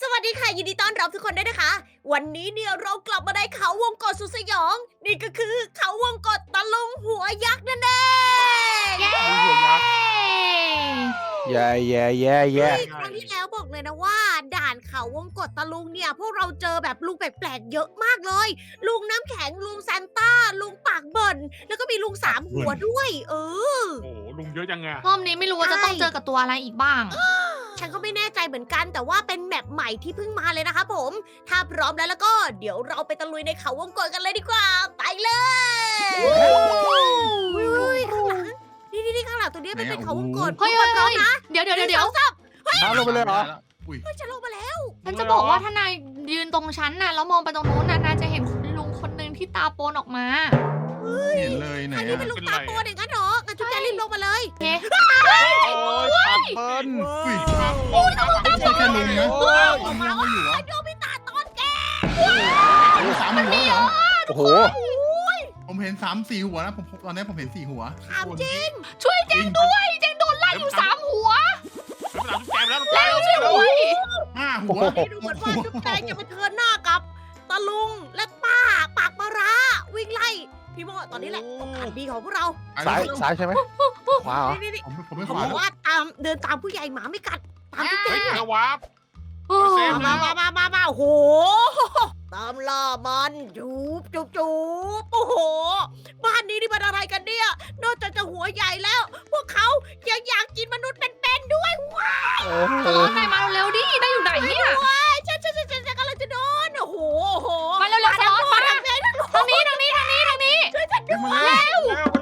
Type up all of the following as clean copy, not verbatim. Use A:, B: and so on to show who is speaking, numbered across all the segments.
A: วัสดีค่ะยินดีต้อนรับทุกคนด้วยนะคะ วันนี้เนี่ยเรากลับมาในเขาวงกตสุดสยอง นี่ก็คือเขาวงกตตะลุงหัวยักษ์นั่นเอง
B: เย้
C: หัวยักษ์
B: แย่แย่แย่แย่
A: เฮ้ยครั้งที่แล้วบอกเลยนะว่าด่านเขาวงกตตะลุงเนี่ยพวกเราเจอแบบลุงแปลกๆเยอะมากเลย ลุงน้ำแข็งลุงซานต้าลุงปากเบิ่นแล้วก็มีลุงสามหัวด้วย
C: โอ้โหลุงเยอะจังไง
D: รอบนี้ไม่รู้ว่าจะต้องเจอกับตัวอะไรอีกบ้าง
A: ฉันก็ไม่แน่ใจเหมือนกันแต่ว่าเป็นแมปใหม่ที่เพิ่งมาเลยนะคะผม ถ้าพร้อมแล้วก็เดี๋ยวเราไปตะลุยในเขาวงกตกันเลยดีกว่า ไปเลยอุ้ยข้างหลังนี่ข้างหลังตัวนี้เป็นเขาวงกต
D: เฮ้ย
A: พร้อมนะ
D: เดี๋ยว
A: หนึ่งสองสาม
B: ท้าลงไปเลยเหรอ
C: อุ้ย
A: เฮ้ยฉันลงมาแล้ว
D: ฉันจะบอกว่าถ้านายยืนตรงชั้นน่ะแล้วมองไปตรงนู้นน่ะนายจะเห็นลุงคนหนึ่งที่ตาโปนออกมา
C: เห็นเลยไหน
A: อันนี้
C: อะ
A: เป็นลูกตาโตเด็กงั้นเหรองั้นจุ๊บแจรีบลงมาเลย
D: เฮ้
B: โอ้ยปากเบิ้ล
C: อุ้ยไม่ใช่แค่ลุงนะ
B: โอ้ย
C: ลุงยังไม่อยู่เหรอ
A: โดมิตาตอนแก
C: ลุงสามหัวเหรอ
B: โอ้โห
C: ผมเห็น3-4 หัวนะผมตอนนี้ผมเห็น4 หัว
A: ถามจริง
D: ช่วยเจงด้วยเจงโดนไล่อยู่3 หัว
C: แล้ว
D: ช่วยด้วย
C: 5 หัว
A: นี่ดูเหมือนว่าจุ๊บแจงจะไปเทิร์นหน้ากับตะลุงและป้าปากมาราวิ่งไล่พี่โมตอนนี้แหละโอกาสดีของพวกเรา
B: ซ้ายใช่ไหมขวาเหรอ
A: นี่
C: ผมไม่
A: เขา
C: ขวา
A: บอกว่าเดินตามผู้ใหญ่หมาไม่กัดตามจุ๊บแจ
C: เฮ้ย
A: ง
C: เจอวาร์ป
D: โอ้
C: เซฟ
A: มาโอ้โหตามล่ามันจูบโอ้โหบ้านนี้นี่มันอะไรกันเนี่ยนอกจากจะหัวใหญ่แล้ว พวกเขายังอยากกินมนุษย์เป็นๆด้วยว้าว
B: โอ้โห
D: ตลอดนายมาเร็วๆดินายอยู่ไหนเนี่ย
A: ฉันกำลังจะโดนโอ้โห
D: มาเร็วๆตลอดมาทางนี้ทางนี้
A: ช่วยฉันด้วย
C: มาแล้ว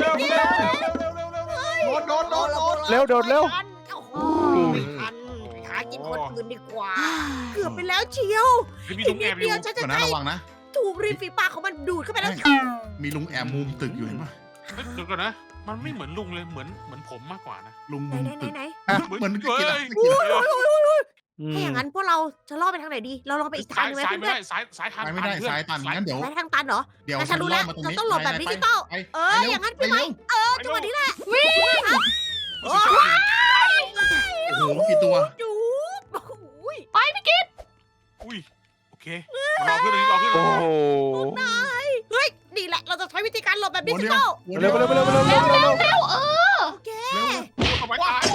C: โดน
B: เร็วโดดเร็ว
A: โอ้โหไม่ทันหากินคนอื่นดีกว่า เกือบไปแล้วเชียว
C: มี
A: อี
C: ลุ
A: ก
C: ง
A: นิ
C: แอ
A: ด
C: บอ
A: เดี
C: ยู่
A: ยวฉันจะ
C: ก่อนนะ
A: ได้
C: ระวังนะ
A: ถูกริมฝีปากของมันดูดเข้าไปแล้ว
C: มีลุงแอบมุมตึกอยู่เห็นปะ
E: เดี๋ยวก่อนนะ มันไม่เหมือนลุงเลยเหมือนผมมากกว่านะ
C: ลุงมุมตึก
A: ไหน
C: เหมือนกินอะ
A: ถ้าอย่างนั้นพวกเราจะล่อไปทางไหนดี เราลองไปอีกทาง
E: ซ้าย
A: นึงไหม
E: ซ้ายไม่
A: เพื่อ
E: ได้
A: น
E: ซ้ายทาง
C: ไม่ได้ซ้ายตันงั้นเดี๋ยว
A: ๆไปทางตันเหรอ
C: เดี๋ยว
A: งั้นฉันรู้แล้ว
C: มาตรง
A: เรา
C: นี้
A: ต้องหลบแบบดิจิตอล
C: ไป
A: อย่างนั้นพี่ไหมจังหวะนี้แหละ
C: โอ้โหกี่ตัว
A: จูบโอ้ย
D: ไปพี่กิ๊ด
E: อุ้ยโอเครอเพื่อนรอเพื่อน
B: โอ้โห
A: เฮ้ยนี่แหละเราจะใช้วิธีการหลบแบบดิจิตอล
B: เร็วเร็วเร็วเร็วเร็วเร็วเร็ว
D: เร็ว
A: โอเค
E: เอาไว้ตาย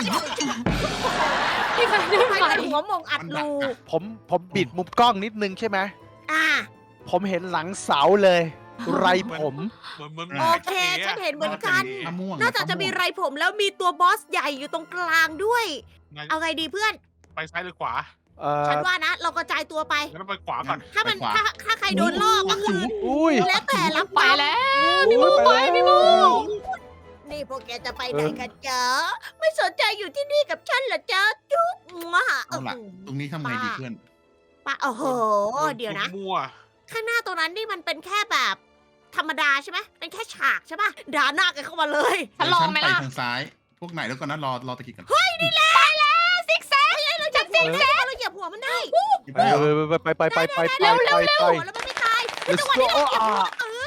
D: พี่ไปได้
A: ไป
D: ไหม
A: กันหัวมงอัดรู
B: ผมบิดมุมกล้องนิดนึงใช่ไหม
A: อ่า
B: ผมเห็นหลังเสาเลย ไรผม
E: เหมือน
A: โอเคฉันเห็นเหมือนกัน
C: มะม่วง
A: นอกจากจะมีไรผมแล้วมีตัวบอสใหญ่อยู่ตรงกลางด้วย เอาไงดีเพื่อน
E: ไปซ้ายหรือขวา
A: ฉันว่านะ เรากระจายตัวไป
E: งั้นไปขวาก่อน
A: ถ้ามันถ้าใครโดนล่อก็คือ
B: อุ้ย
A: แล้วแต่รับ
D: ไป
A: กรรม
D: แล้วพี่มูไปพี่มู
A: นี่พวกแกจะไปไหนกันจ๊ะไม่สนใจอยู่ที่นี่กับฉันเหรอจ๊ะจุ๊บมา
C: เอาล่ะตรงนี้ทำไงดีเพื่อน
A: ป้าโอ้โห เดี๋ยวนะ
E: มั่ว
A: ข้างหน้าตรงนั้นนี่มันเป็นแค่แบบธรรมดาใช่ไหมเป็นแค่ฉากใช่ปะด่าหน้ากันเข้ามาเลย
D: ฉันลองไหม
C: ไป
D: ล่ะ
C: ทางซ้าย พวกไหนแล้วก่อนนะรอตะกี้กัน
D: ซิกแซก
A: เราจับเซ็งแซ่เราเหยียบหัวมันได้
C: หยิบได้เหรอ
B: ไปแล้วมันไม่ตาย
A: จังหวะนี้เราเหยียบหัว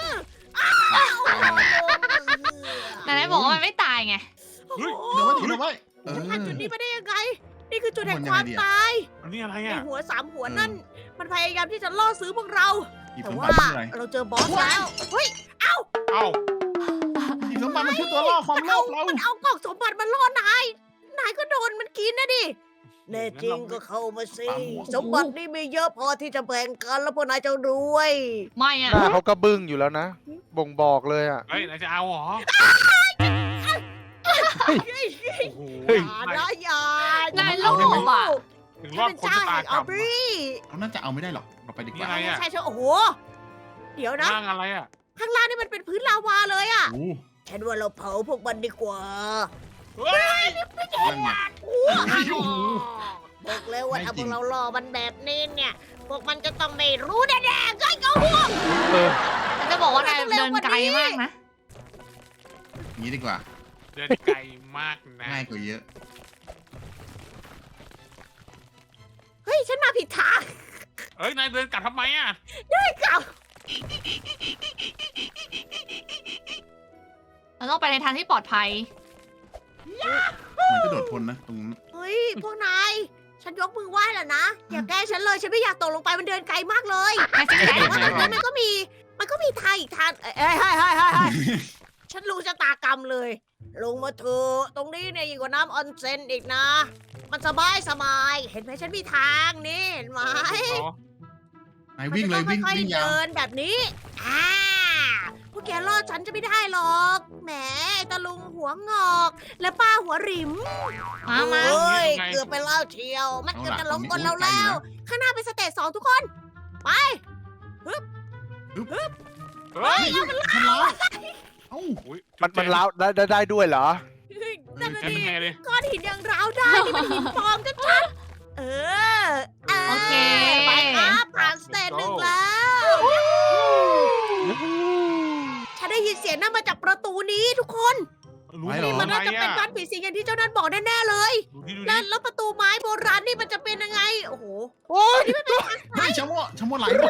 D: ไหนๆบอกว่ามันไม่ตายไง
A: โอ้โห
C: เดี๋ยวไว้เออ
A: ผ่านจุดนี้มาได้ยังไง นี่คือจุดแห่ง
C: มัน
A: ค
C: ยัง
A: วาม
C: ไงดีอะ
A: ตาย
E: อันนี้อะไร
A: ไอ
E: อ่ะ
A: หัวสามหัวนั่น มันพยายามที่จะล่อซื้อพวกเรา
C: หยิบ
A: แต่
C: สม
A: ว่า
C: บัติอะไร
A: เราเจอบอสแล้วเฮ้ย
E: เอ้า
C: หยิบสมบัติมันคือตัวล่อความโลภเรา
A: มันเอากล่องสมบัติมาล่อนายก็โดนมันกินนะดิแน่จริงก็เข้ามาสิสมบัตินี่มีเยอะพอที่จะแบ่งกันแล้วพวกนายจะรวย
D: ไม่อะ
B: หน้าเขาก็บึ้งอยู่แล้วนะ บ่งบอกเลยอ่ะ
E: เฮ้ยนายจะเอาเหรอ
B: เฮ้ย
E: โอ้โห
B: เฮ้ย
A: อย่านะอย่าน
D: ายโลภอ่ะ
E: ถึง
A: ฉั
E: ร
A: น
E: อบ
A: เป็น
E: คน
A: เจ้า
E: ชะตา
A: แห่ง
E: กร
A: อั
E: ร
A: ล
E: ม
A: บรี
C: เราน่าจะเอาไม่ได้หรอกเราไปดีกว่า
E: นี่อะไรอะ
A: ใช่โอ้โห เดี๋ยวนะ
E: ร่างอะไรอ่ะ
A: ข้างล่างนี่มันเป็นพื้นลาวาเลยอะ
C: โอ้
A: ฉันว่าเราเผาพวกมันดีกว่า
E: เฮ้ย
C: นั่นไง
A: บอกเลยว่า
C: ไม่
A: ถ้า
C: จ
A: พ
C: ริ
A: ว
C: ง
A: กเรารอมันแบบนี้เนี่ย พวกมันจะต้องไม่รู้แน่ๆก็ก็ห่วง
B: เออ
D: ฉันจะบอกว่านายเดินไกลมากนะ
C: อย่างนี้ดีกว่า
E: เดินไกลมากนะ
C: ง่ายกว่าเยอะ
A: เฮ้ย ฉันมาผิดทาง
E: เฮ้ยนายเดินกลับทำไมอ่ะ
A: กลับ
D: เราต้องไปในทางที่ปลอดภัย
C: เหมือนจะโดดพ้นนะตรงนั้น
A: เฮ้ย พวกนาย ฉฉันยกมือไหว้แล้วนะ อย่าแกล้งฉันเลย ฉันไม่อยากตกลงไป มันเดินไกลมากเลย
D: ไม่ใช่
A: แต่ว่าตรงนี้มันก็มีทางอีกทางเอ้ยฉันรู้ชะตากรรมเลย ลงมาเถอะตรงนี้เนี่ยยิ่งกว่าน้ำออนเซ็นอีกนะ มันสบายเห็นไหมฉันมีทางนี่เห็นไหม
C: ไหนวิ่งเลยวิ่ง
A: มันจะต้องค่อย
C: วิ่ง
A: ๆ
C: ยาว
A: เดินแบบนี้พวกแกรอดฉันจะไม่ได้หรอก แหมไอ้ตะลุงหัวงอก และป้าหัวหริม
D: มา
A: เฮ้ยเกือบไปแล้วเชียว มันเกือบจะล้มกลเราแล้ว ข้างหน้าเป็นสเตจ2ทุกคน ไป
E: เฮ้ย
C: มันล้าวเอ้า
E: อุ๊ย
B: มันล้าวได้ด้วยเหรอ
A: นั่นน่ะ
E: แก
A: ดิ
E: เป็นไงเลย
A: ก้อนหินยังร้าวได้ นี่มันหินปลอมชัดๆ
D: โอเค
A: ไปครับผ่านสเตจหนึ่งแล้ว ฉันได้ยินเสียงนั่นมาจากประตูนี้ทุกคน
E: รู้
C: ไม่หรอ
A: มันน่าจะเป็นบ้านผีสิงอย่างที่เจ้านั่นบอกแน่ๆเลย
E: ดูที่
A: แล้วประตูไม้โบราณนี่มันจะเป็นยังไง โอ้โห
B: โอ้ย
C: เฮ้ยชะโมไหลหมด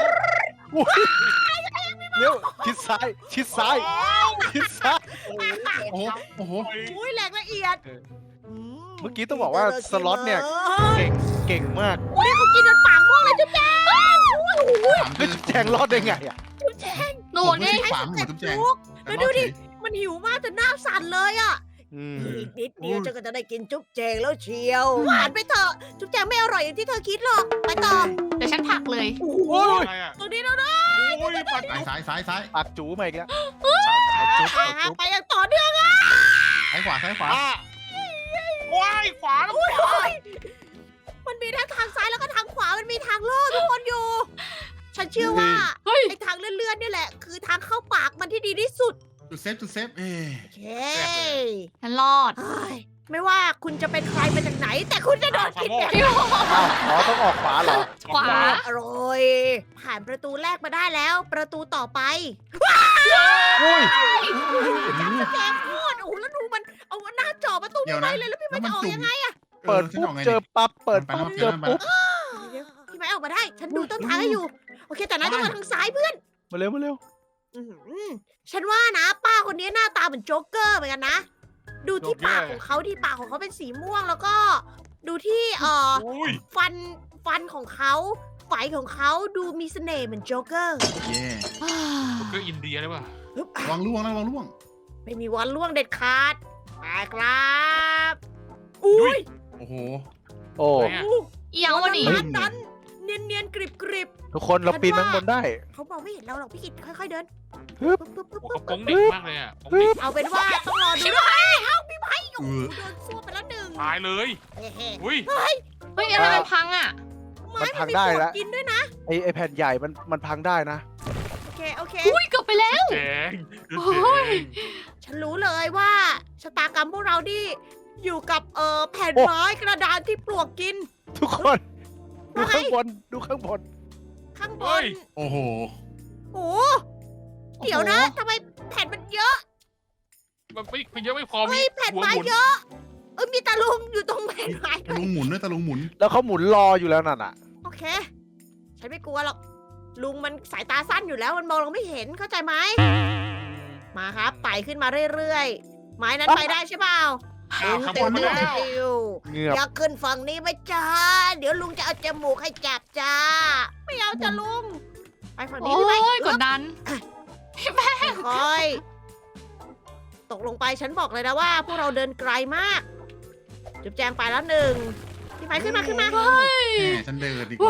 B: เร็วชิดซ้ายชิดซ้ายชิดซ้าย
C: โอ้โหโอ้โห
A: อุ้ยแหลกละเอียด
B: เมื่อกี้ต้องบอกว่าสล็อตเนี่ย เก่งมาก
A: โอ้ยเขากินจนปากม่วงเลยจุ๊บแจง
B: เฮ้ยแจงรอดได้ไงอ่ะ
A: จุ๊บแจง
D: หนูนี่
C: ฝาหมูจุ๊บแจง
A: จุ๊บแล้วดูดิ มันหิวมากจนหน้าสั่นเลยอ่ะ
B: อืม
A: อีกนิดเดียวเจะก็จะได้กินจุ๊บแจงแล้วเชียวหวานไปเถอะ จุ๊บแจงไม่อร่อยอย่างที่เธอคิดหรอก ไปต่อ
D: เดี๋ยวฉันผลักเลย
A: โอ้โห
E: อะไรอ่ะ
A: ตรงนี้แล้วนะ
E: โอ้ยปัดจุ๊บ
C: ซ้าย
B: ปากจูมาอีกแล้ว
E: จุ๊บ
A: ไปอย่างต่อเนื่องอ่ะ
C: ซ้ายขวา
E: ว้ายขวาแล้ว
A: โอ้ยมันมีทั้งทางซ้ายแล้วก็ทางขวา มันมีทางโล่ทุกคนอยู่ ฉันเชื่อว่า
D: เฮ้ย
A: ไอ้ทางเลื่อนๆนี่แหละ คือทางเข้าปากมันที่ดีที่สุด
C: จุดเซฟเอ้
A: โอเค
D: ฉันรอด
A: เฮ้ยไม่ว่าคุณจะเป็นใครมาจากไหน แต่คุณจะโดนกินอย่าง
D: พี่โม
B: อ้าวอ๋อต้องออกขวาเหรอ
D: ขวา
A: อร่อย ผ่านประตูแรกมาได้แล้ว ประตูต่อไป
B: อุ้ย
A: จับสแกนโคตรโอ้โหแล้วดูมันเอาหน้าจ่อประตู
C: เดี๋ยว
A: ไป
C: นะ
A: เลยแล้วพี่
C: แล้
A: ไม่
C: วมัน
A: จะออก
C: จุ่ม
A: ยังไง
B: เปิดปุ๊บเจอปั๊บเปิดปุ๊บเจอปุ๊บ
A: เดี๋ยวพี่ไม่ออกมาได้ ฉันดูต้นทางให้อยู่ โอเค แต่นายต้องมาทางซ้ายเพื่อน
B: มาเร็วมาเร็ว
A: อื้อหือฉันว่านะ ป้าคนนี้หน้าตาเหมือนโจ๊กเกอร์เหมือนกันนะ ดูที่ปากของเขาที่ปากของเขาเป็นสีม่วงแล้วก็ ดูที่
E: อุ้ย
A: ฟันของเขาไฝของเขาดูมีเสน่ห์เหมือนโจ๊กเกอร์
C: เย่
E: ก็อินเดียได้ป่ะ
A: ฮึบ
C: ระวังล่วงนะระวังล่วง
A: ไม่มีวันล่วงเด็ดขาดไปครับอุ้ย
C: โอ้โห
B: โอ้
E: ไหนอะ
D: เอียงวะนี่
A: ร้านนั้นเนียนๆกริบ
B: ทุกคนเราปีนข้างบนได้
A: ๆเขาบอกไม่เห็นเราหรอกพี่กิตค่อยๆเดิน
B: ฮึบ
A: ปึ๊บปึ๊บ
E: โอ้
A: ปึ๊บ
E: เขาโป้งเด็กมากเลยอ่ะโป้งเด็ก
A: เอาเป็นว่าต้องรอดูด้วยเอ้าพี่ไม้โอ้โหโดนซ่วมไปแล้วหนึ่ง
E: ตายเลย
A: เฮ้
E: อุ้ย
D: เฮ้ยอะไรมันพังอ่ะ
A: ไม้
B: มันพั
A: มัน
B: ง
A: มี
B: ได้
A: ปว
B: แล้ว
A: ดกินด้วยนะ
B: ไอแผ่นใหญ่มันพังได้นะ
A: โอเค
D: อุ้ยเกือบไปแล้ว
E: แจง
D: โอ้ย
A: ฉันรู้เลยว่าชะตากรรมพวกเราที่อยู่กับแผ่น
B: โอ้
A: ไม้กระดานที่ปลวกกิน
B: ทุกคน ดูข้างบนดูข้างบน
A: ข้างบน
C: โอ้โห
A: โอ้โหเดี๋ยวนะทำไมแผ่นมันเยอะ
E: มันเยอะไม่พอ
A: เฮ้
E: มี
A: ยแผ่น
E: หัว
A: ไม้
E: หมุน
A: เยอะมีตาลุงอยู่ตรงแผ่นไม้
C: ตะลุงหมุนด้วยตะลุงหมุน
B: แล้วเขาหมุนรออยู่แล้วนั่นอ่ะ
A: โอเค ฉันไม่กลัวหรอกลุงมันสายตาสั้นอยู่แล้วมันมองเราไม่เห็นเข้าใจไหมมาครับไต่ขึ้นมาเรื่อยๆไม้นั้นไปได้ใช่เปล่า
E: อ้าวขบวนมาแล้ว
A: ติว
B: เงือบ
A: อยากขึ้นฝั่งนี้ไหมจ้า เดี๋ยวลุงจะเอาจมูกให้จับจ้า ไม่เอาจ้ะลุง ไปฝั่งนี้
D: โอ้
A: พี่ไหม
D: ยกดดัน
A: ค่อยตกลงไปฉันบอกเลยนะว่า พวกเราเดินไกลมาก จุ๊บแจงไปแล้วหนึ่งพี่ไม้ขึ้นมา
C: แหมฉันเดินดีกว่า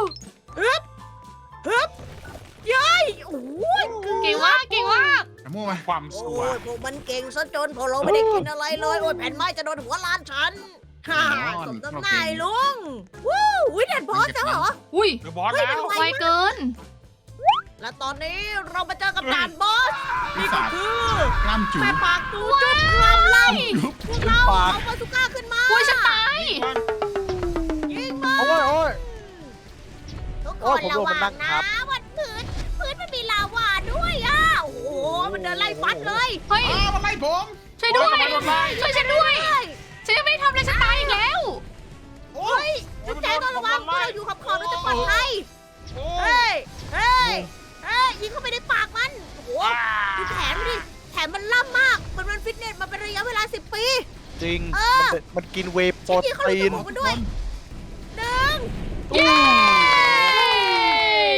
A: เย้ยโอ้ย
D: เก่งมากเก่งมาก
C: ชะโม่มา
E: ความส
A: โอ้
E: วย
A: ยพวกมันเก่งซะจนพวกเราไม่ได้กินอะไรเลย โอ้ยแผ่นไม้จะโดนหัวล้านฉันฮ่าสมน้ำหน้าไอ้ลุงวู้วิเด็ดบอสแล้วเหรอ
D: อุ้ย
E: เดอะบอสแล้ว
D: ไวเกิน
A: และตอนนี้เรามาเจอกับด่านบอส
C: ปี
A: นี่
C: ศา
A: ก็
C: จ
A: คือ
C: กล้ามจุ๋
A: แม่ปากตูจุ๊บกล้ามไล่
C: ยุบ
A: พวกเราเอาบาซูก้าขึ้นมา
D: อุ้ยฉันตาย
A: ยิงมา
B: โอ้ยโอ้ย
A: ทุกค
B: โอ้ย
A: น
B: ผมโด
A: ระ
B: น
A: วั
B: มันนั่
A: ง
B: ง
A: นะ
B: ทับ
A: วันพื้นมันมีลาวาด้วยอ่ะโอ้โหมันเดินไล่ฟัดเลย
D: เฮ้ย
C: อ้าวมันไล่ผม
D: ช่วยด้วย
E: โดนไล่
D: ช่วยฉันด้วย ฉันยังไม่ได้ทำอะไรฉันตายอีกแล้ว
A: โอ้ยจุ๊บแจงต้องระวังพวกเราอยู่ขอบๆเราจะปลอดภัย
E: โอ้
A: เฮ้ยเฮ้ยยิงเข้าไปในปากมันโอ้โหดูแขนมันดิแขนมันล่ำมากมันฟิตเนสมาเป็นระยะเวลา10 ปี
B: จริง
A: เออ
B: มันกินเวย์โปร
A: ที่เขา
B: ตี
A: รู้
B: น
A: ตัวมันด้วย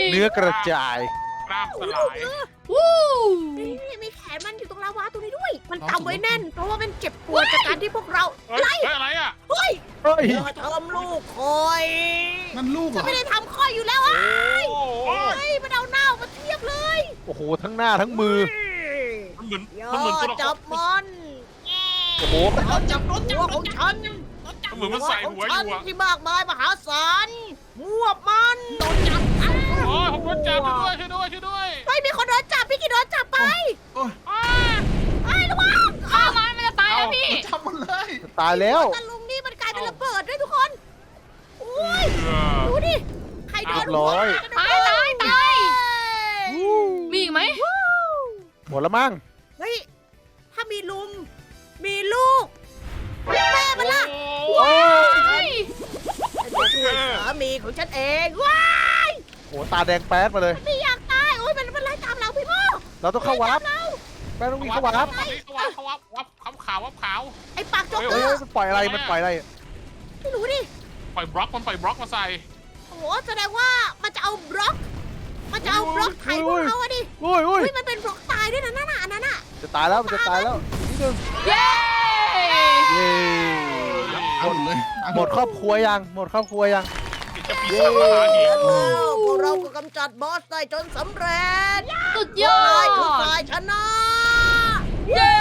B: เนื้อกระจาย
E: กล้ามสลาย
D: วู้
A: นี่มีแขนมันอยู่ตรงลาวาตรงนี้ด้วย มันกำไว้แน่น เพราะว่ามันเจ็บปวดจากการที่พวกเรา
E: เฮ้ยอะไรอ่ะ
A: เฮ้ย
B: เฮ้ย
A: อย่าทำลูกคอย
C: นั่นลูกเหร
A: ฉัน
C: อ
A: ไม่ได้ทำคอยอยู่แล้วอ่ะ
E: โอ้โห
A: เฮ้ยมันเอาหน้ามาเทียบเลย
B: โอ้โห ทั้งหน้าทั้งมือ
E: มันเหมือน
A: อย่า
E: มันเหมือนตัวละค
A: จั
E: ร
A: บมัน
B: โอ้โห
A: เราจับหัวของฉัน
E: มันเหมือนมันใส่หัวอ
A: ฉัน
E: ยู่อะ
A: ที่มากมายมหาศาลมวบมันโดนจับ
E: โอ้ยผมโดนจับช่วยด้วยช่วยด้วย
A: ไม่มีคนโดนจับพี่กินโดนจับไป
C: โอ้ย
A: ไอ้ระวัง
D: ฆ่ามันจะตายแล้วพี่
C: จับมันเลย
B: ตายแล้ว
A: ตะลุงนี่มันกลายเป็นระเบิดด้วยทุกคนอุ้ย
E: เออ
A: ดูดิ ใครโดน
B: เรียบร้อย
D: ตายมีอีกไหม
B: หมดแล้วมั้ง
A: เฮ้ย ถ้ามีลุง มีลูก แม่มันล่ะ
E: โอ้
D: เฮ้ย
A: ฉันจะช่วยสามีของฉันเองว้า
B: โอ้โหตาแดงแป๊ดมาเลย
A: ไม่อยากตาย โอ้ยมันไล่ตามเราพี่โม
B: เราต้องเข้าวับแป้งต้องวิ่งเข้าวับ
E: เขาวับขาววับขาว
A: ไอ้ปากโจ๊กเก
B: เฮ้
A: อย ร์
B: มันปล่อยอะไร มันปล่อยอะไร
A: ไม่รู้ดิ
E: ปล่อยบล็อกมันปล่อยบล็อกมาใส่
A: โอ้โหแสดงว่ามันจะเอาบล็อก มันจะเอาบล็อกไถพวกเราอะดิ
B: อุ้ยอุ้ย
A: เฮ้ยมันเป็นบล็อกตายด้วยนะนั่นน่ะอันนั้นน่ะ
B: จะตายแล้ว มันจะตายแล้วนิดนึง
D: เย้
B: เย้
C: เอาหมดเลย
B: หมดครอบครัวยัง หมดครอบครัวยัง
E: จะปีศาจมหาหิน
A: แล้วพวกเราก็กำจัดบอสได้จนสำเร็จ
D: สุด
A: พ
D: ยว
A: ก
D: อน
A: ายคือ
D: ด
A: ฝ่ายชนะ
D: เย้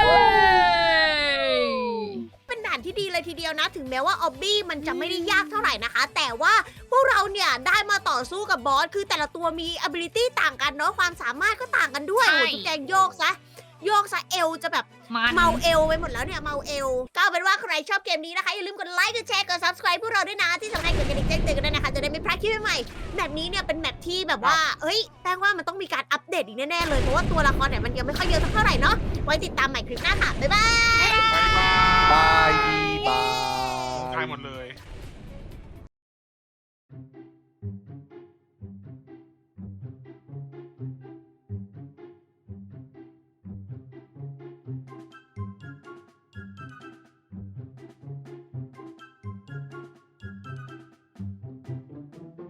A: เป็นด่านที่ดีเลยทีเดียวนะ ถึงแม้ว่าออบบี้มันจะไม่ได้ยากเท่าไหร่นะคะ แต่ว่าพวกเราเนี่ยได้มาต่อสู้กับบอส คือแต่ละตัวมี ability ต่างกันเนาะ ความสามารถก็ต่างกันด้วย โอ้โหจุ๊บแจงโยกซะ โยกซะเอวจะแบบ
D: มัน
A: เมาเอวไปหมดแล้วเนี่ย เมาเอว ก็เอาเป็นว่าใครชอบเกมนี้นะคะ อย่าลืมกดไลค์ กดแชร์ กด subscribe พวกเราด้วยนะ ที่สำคัญกดกระดิ่งแจ้งเตือนกันด้วยนะคะ จะได้ไม่พลาดคลิปใหม่ๆแมปนี้เนี่ยเป็นแมปที่แบบว่า เฮ้ยแป้งว่ามันต้องมีการอัปเดตอีกแน่ๆเลย เพราะว่าตัวละครเนี่ยมันยังไม่ค่อยเยอะสักเท่าไหร่เนาะ ไว้ติดตามใหม่คลิปหน้าค่ะ บ๊ายบาย